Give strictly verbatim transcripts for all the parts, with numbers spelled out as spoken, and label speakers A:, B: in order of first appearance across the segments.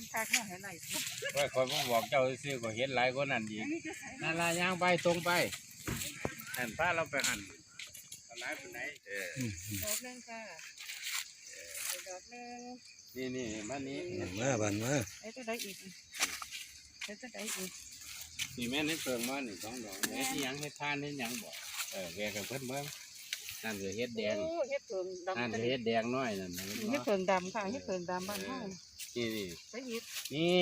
A: นคักเนาะให้ไล่สุด
B: ว่าคอยผมบอกเจ้าซื้อก็เห็นหลายคนนั่นดีนั่นละย่างไปตรงไปหันพาเราไปหันอะไรเป็นไหนเออ
A: ดอกนึงค่ะดอกนึง
B: นี่นี่มานี้
C: มาบันมา
A: ไอ้ตัวใดอีกไอ้ตัวใดอีก
B: นี่แม่นี่เปิงมาหนึ่งสองดอกไอ้ที่ยังเฮ็ดทานเฮ็ดยังบ่เออแกกับเพิ่นเบิ่งนั่นคือเฮ็ดแดง
A: โอ้เฮ็ดเพิงดำ
B: นั่นคือเฮ็ดแดงน้อยนั่น
A: เฮ็ดเพิงดำค่ะเฮ็ดเพิงดำบ้านเฮา
B: นี่นี่
A: ไปอีก
B: นี่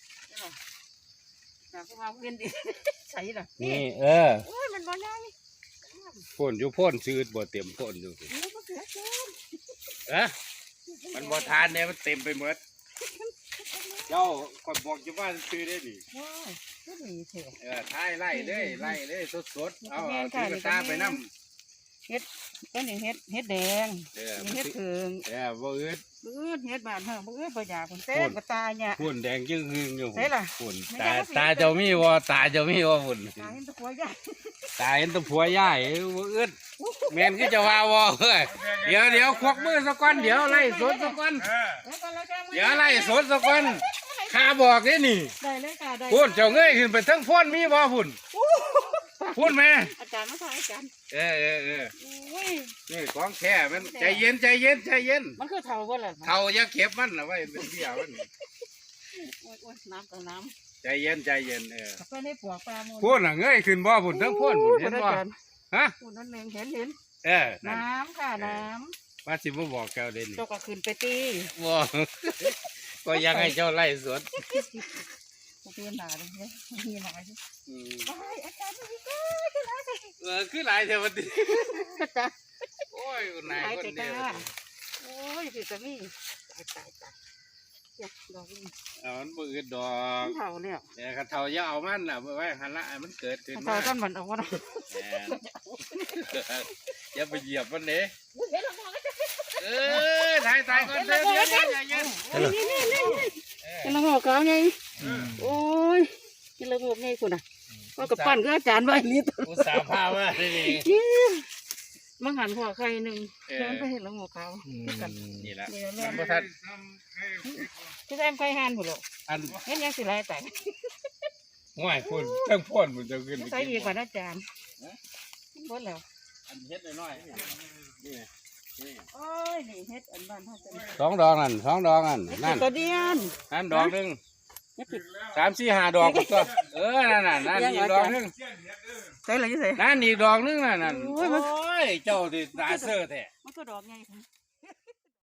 A: นะเพราะว่าเวียนดิใส่ล่ะ
B: นี่เออ
A: โอ้ยมันบ่ได้
B: พ่นอยู่พ่นซื้อบ่เต็มพ่นอยู่
A: นี่บ่เกิดเกิน
B: เอ๊ะมันบ่ทานเนี่ยมันเต็มไปหมดเจ้าคนบอกอยู่ว่าซื้อได้ดิ
A: ว้ายก็ดีแท้
B: เออท้ายไล่เลยไล่เลยสดๆเอาเอาถือกระตาไปนำ
A: ต้นนี้เฮ็ดเฮ็ดแดง
B: เออ
A: นี่เฮ็ดเพิง
B: เออบ่อึด
A: บื้อเฮ็ดบ้านเฮาบื้อบ่อยากเพิ่นเต้บ่ตายเนี่ย
B: ฝุ่นแดงจึงหึงอยู่
A: ใช่ล่ะ
B: ฝุ่น
A: ไม่
B: ตา
A: ได้
B: ตาเจ้ามีบ่ตาเจ้ามีบ่ฝุ่น
A: ตายเห็นตะกัวใหญ่
B: ตาเห็นแตะผัวย่ายบ่อึดแม่นคือจะว่าบ่เฮ้ยเดี๋ยวเดี๋ยวควักมือซะก่อนเดี๋ยวไล่สดซะก่อน
A: แล้วก็แล้วแจ้ง
B: เดี๋ยวไล่สดซะก่อนข้าบอกเด้นี่
A: ได้เลยค่ะได้
B: ฝุ่นเจ้าเงยขึ้นไปทั้งพ่นมีบ่ฝุ่นฝุ่นแม่
A: อาจารย์มาทายอาจารย์
B: เออเออเออ
A: อุ้ย
B: นี่ของแท้มันใจเย็นใจเย็นใจเย็น
A: มันคือเท่าบ่ล่ะ
B: เท่าอย่าเก็บมันเอาไว้เป็นเบี้ยมัน
A: โอ้ยโอ้ยน้ำกับน้
B: ใจเย็นใจเย็นเออ
A: ำไปในปวกปลาหมด
B: ฝุ่นน่ะเงยขึ้นบ่ฝุ่นทั้งพ่นฝุ่นเห็นบ่ฮะ
A: ฝุ่นนั่นเองเห็นเห็น
B: เออนั่น
A: น้ำค่ะน้
B: ว่าสิบ่บอกแกวเด่น
A: ำเจ้าก็ขึ้นไปตี
B: บ่ก็ยังให้เจ้าไล่สวน
A: เปลี่ยนหนาเลยเนี่ยมีหนาอยู่
B: อืม
A: ไปอาจารย์มาดีก็ขึ้นมาสิ
B: เออคือหลายเทวดา
A: อาจารย์
B: โอ้ยคนไหน
A: หาย
B: คน
A: ใจ
B: เดียว
A: กล้าโอ้ยสิจะมีตายตายตายเจ็บดอกนี่
B: เอามันบ่อึดดอก
A: เท่าเนี่ย
B: แต่คันเฒ่าอย่าเอามันน่ะไว้หันละให้มันเกิดขึ้น
A: เท่า
B: มา
A: กันมันเอาวะนะ
B: แหม่อย่าไปเหยียบมันเด้
A: เห็นแล้วมองก็จะ
B: เออถ่ายถ่ายก่อนเด้อเดี๋ยวๆใจเย็น
A: นี่นี่นี่กินละงอกเขาไงโอ้ยกินละงอกไงคุณอ่ะก็กับปั้นก็อาจารย์ไว้นี่ตัว
B: อุตส่าห์พามาได้นี่
A: มังหันหัวใครหนึ่งเดินไปเห็นละงอกเขากัน
B: นี่ล่ะ
A: นี่แม่
B: บ่ทัน
A: ที่แซมไฟหันหมดหรอก
B: อัน
A: เห็นยังสิไรแต่
B: ง่ายพุ่นทั้งพ่นมันจะขึ้น
A: ใส่อีกกว่าอาจารย์หมดแล้ว
B: อันเฮ็ดน้อยๆนี่นี่
A: โอ้ยนี่เฮ็ดอันบ้านท่าจัน
B: สองดอกนั่นสองดอกนั่นนั่น
A: ตัวเดียน
B: นั่นดอกหนึง
A: นี่ผิด
B: สามสี่ห้าดอกก็เออนั่นน่ะนั่นอีกดอกหนึง
A: ใส่อะไรยี่ใส่
B: นั่นอีกดอกหนึงน่ะนั่น
A: โอ้
B: โอ้
A: ยมัน
B: ยเจ้าที่ตาเสื้อแท้
A: มันก็ดอกไง